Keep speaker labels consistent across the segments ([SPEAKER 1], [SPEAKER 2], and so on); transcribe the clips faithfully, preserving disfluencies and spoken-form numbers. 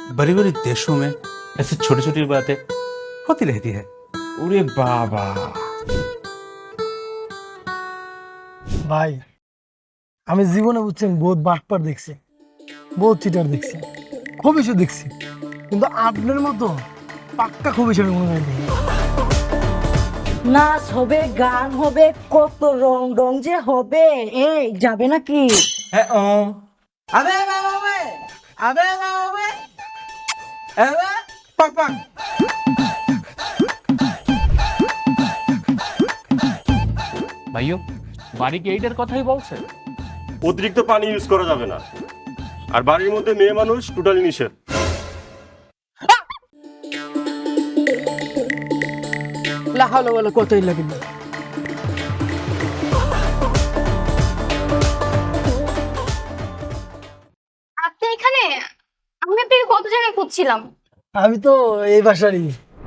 [SPEAKER 1] बड़ी बड़ी देशों में ऐसी छोटी छोटी बातें होती रहती है।
[SPEAKER 2] ওরে বাবা
[SPEAKER 3] ভাই আমি জীবনে বুঝছেন বহুত বাটপার দেখছি, বহুত চিটার দেখছি, খবিশও দেখছি, কিন্তু আপনার মতো পাক্কা খবিশের মনে হয় নেই।
[SPEAKER 4] নাচ হবে, গান হবে, কত রং রং যে হবে। এই যাবে নাকি?
[SPEAKER 2] হ্যাঁ ও আবে আবে আবে আবে আবে আবে পাক পাক
[SPEAKER 5] ভাইও বাড়ি কি এইটার কথাই বলছে?
[SPEAKER 6] অতিরিক্ত পানি ইউজ করা যাবে না, আর বাড়ির মধ্যে মেয়ে মানুষ টোটালি নিষেধ।
[SPEAKER 2] লা হাওলা ওয়ালা কুওয়াতা ইল্লা বিল্লাহ।
[SPEAKER 7] আপনি এখানে? আমি আপনাকে কত জায়গায় খুঁজছিলাম।
[SPEAKER 3] আমি তো এই বাসারই।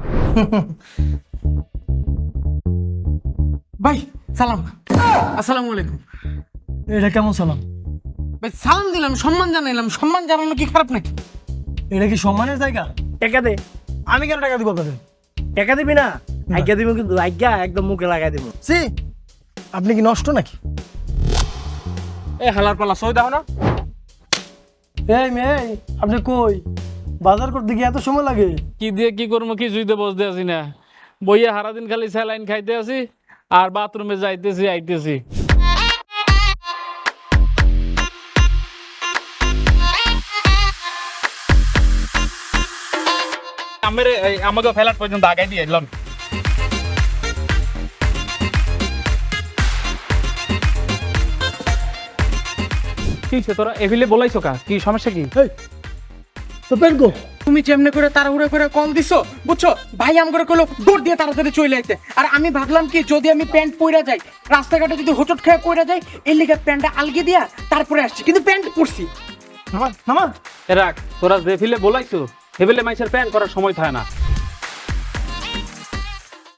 [SPEAKER 2] ভাই সালাম, আসসালামু আলাইকুম।
[SPEAKER 3] এটা কেমন সালাম?
[SPEAKER 2] ভাই সালাম দিলাম, সম্মান জানাইলাম। সম্মান জানানো কি খারাপ নাকি?
[SPEAKER 3] এটা কি সম্মানের জায়গা?
[SPEAKER 8] টাকা দে।
[SPEAKER 3] আমি কেন টাকা দিব আপনাদের?
[SPEAKER 8] টাকা দিবি না? আজ্ঞা দিব, কিন্তু আজ্ঞা একদম মুখে লাগাই দিব।
[SPEAKER 3] সি আপনি কি নষ্ট নাকি?
[SPEAKER 5] এ হালার পালা সই দাও না।
[SPEAKER 3] এই মেয়ে, আপনি কই? বাজার করতে গিয়ে এত সময় লাগে?
[SPEAKER 5] কি দিয়ে কি করবো, কি জুইতে বসতে আছি না, বইয়ে সারাদিন খালি স্যালাইন খাইতে আছি আর বাথরুমে যাইতেছি আইতেছি। আমার আমাকে ফেলার পর্যন্ত আগাই দিয়ে এলাম। কি সে তোরা এভিলে বলাইছো কা? কি সমস্যা কি?
[SPEAKER 3] এই তো পেন কো?
[SPEAKER 2] তুমি যেমনে করে তাড়াহুড়া করে কল দিছো, বুঝছো? ভাই আম করে কইলো দৌড় দিয়ে তাড়াতাড়ি চলে আইতে। আর আমি ভাবলাম কি, যদি আমি প্যান্ট পইরা যাই, রাস্তাঘাটে যদি হোঁচট খেয়ে পইরা যাই, এর লিগে প্যান্টটা আলগি দিয়া তারপরে আসছি, কিন্তু প্যান্ট পরছি।
[SPEAKER 3] নামা নামা।
[SPEAKER 5] এ রাখ, তোরা যে ফিলে বলাইছো হেবেলে মাইসের প্যান করার সময় থাকে না।